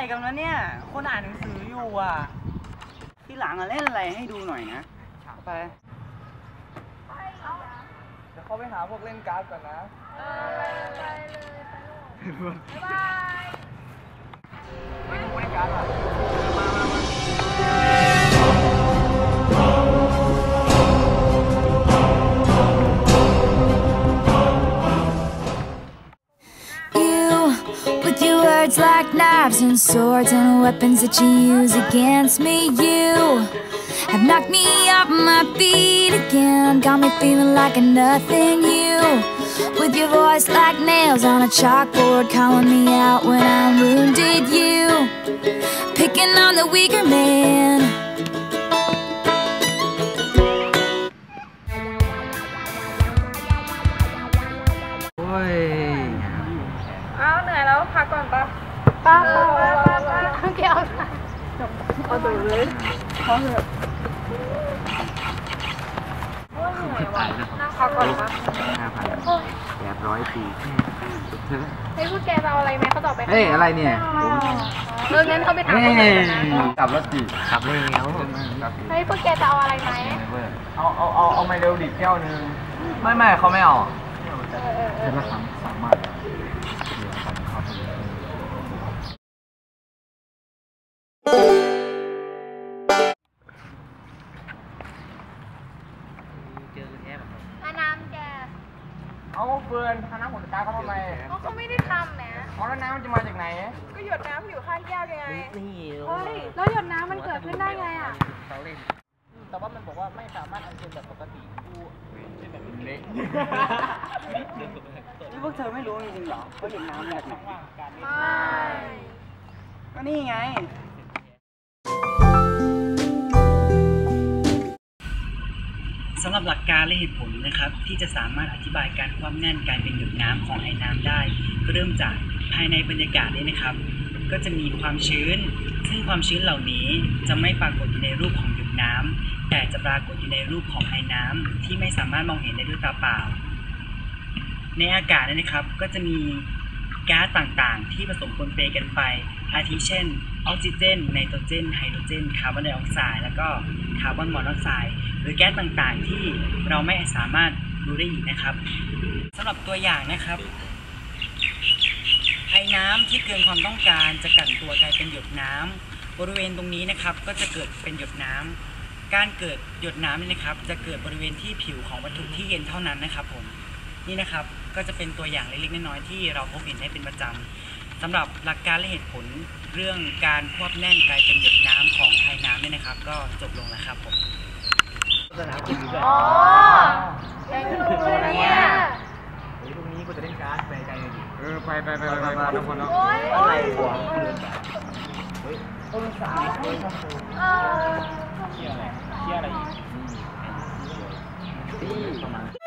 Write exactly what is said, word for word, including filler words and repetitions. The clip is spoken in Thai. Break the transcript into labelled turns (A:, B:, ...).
A: กันวะเนี่ยคนอ่านหนังสืออยู่อ่ะที่หลังอะเล่นอะไรให้ดูหน่อยนะไปเดี๋ยวเขาไปหาพวกเล่นการ์ดก่อนนะเออไปเลยบ๊ายบายไปดูเล่นการ์ดอ่ะมามามา
B: Words like knives and swords and weapons that you use against me. You have knocked me off my feet again, got me feeling like a nothing. You, with your voice like nails on a chalkboard, calling me out when I'm wounded. You, picking on the weaker man.
A: Ôi.
C: อ้าวเหนื่อยแล้วพักก่อนปะป้าป้าป้าป้าป้าเอาแก้วเอาตัวเลยพอเถอะโอ้ยเหนื่อยว่ะนั่งพักก่อนปะ
A: ห้าพันแปดร้อยปี
C: เฮ้ยพวกแกจะเอาอะไรไหมเขาตอบไป
A: เฮ้ยอะไรเนี่ย
C: เอองั้นเขาไปถามคนอื่นนะ
A: กลับรถดิกลับเลยแล้ว
C: เฮ้ยพวกแกจะเอาอะไรไหม
A: เอาเอาเอาเอาไมเดลดิแก้วนึงไม่ไม่เขาไม่เอาเดือนละสามสามบาท
C: น้ำแก
A: เอาเฟิร์นน้ำผลกาเขาทำไม
C: เขาเขาไม่ได้ทำแหม
A: เอาแล้วน้ำมันจะมาจากไหน
C: ก็หยดน้ำอยู่ข้างแก้วยังไงเฮ้ยแล้วหยดน้ำมันเกิดขึ้นได้ไงอ่ะ
A: แต่ว่ามันบอกว่าไม่สามารถอัญเชิญแบบปกติดูเป็นแบบเล็กนี่พวกเธอไม่รู้จริงๆหรอเขาหยดน้ำแบบไหนก็นี่ไงสำหรับหลักการและเหตุผลนะครับที่จะสามารถอธิบายการความแน่นการเป็นหยดน้ำของไอ้น้ำได้ก็เริ่มจากภายในบรรยากาศนี้นะครับก็จะมีความชื้นซึ่งความชื้นเหล่านี้จะไม่ปรากฏอยู่ในรูปของหยดน้ำแต่จะปรากฏอยู่ในรูปของไอ้น้ำที่ไม่สามารถมองเห็นได้ด้วยตาเปล่าในอากาศนี้นะครับก็จะมีก๊าซต่างๆที่ผสมปนเปกันไปอาทิเช่นออกซิเจนไนโตรเจนไฮโดรเจนคาร์บอนไดออกไซด์แล้วก็คาร์บอนมอนอกไซด์หรือแก๊สต่างๆที่เราไม่สามารถรู้ได้อีกนะครับสำหรับตัวอย่างนะครับไอ้น้ำที่เกินความต้องการจะกลั่นตัวกลายเป็นหยดน้ำบริเวณตรงนี้นะครับก็จะเกิดเป็นหยดน้ำการเกิดหยดน้ำนี่นะครับจะเกิดบริเวณที่ผิวของวัตถุที่เย็นเท่านั้นนะครับผมนี่นะครับก็จะเป็นตัวอย่างเล็กๆน้อยๆที่เราพบเห็นได้เป็นประจำสำหรับหลักการและเหตุผลเรื่องการควบแน่นกลายเป็นหยดน้ำของไอ้น้ำเนี่ยนะครับก็จบลงแล้วครับผมสนามกินดีกว่าอ๋อ
C: แกรู้เลยเนี่ย
A: พรุ่งนี้กูจะเล่นการ์ดไปไกลเลยดิเออไปไปไปไปไปทุกคนเนาะ
C: อะไร
A: หัวเฮ้ยต้นสายเฮ้ยเออเชี่ยอะไรเชี่ยอะไรอีกที่ประมาณ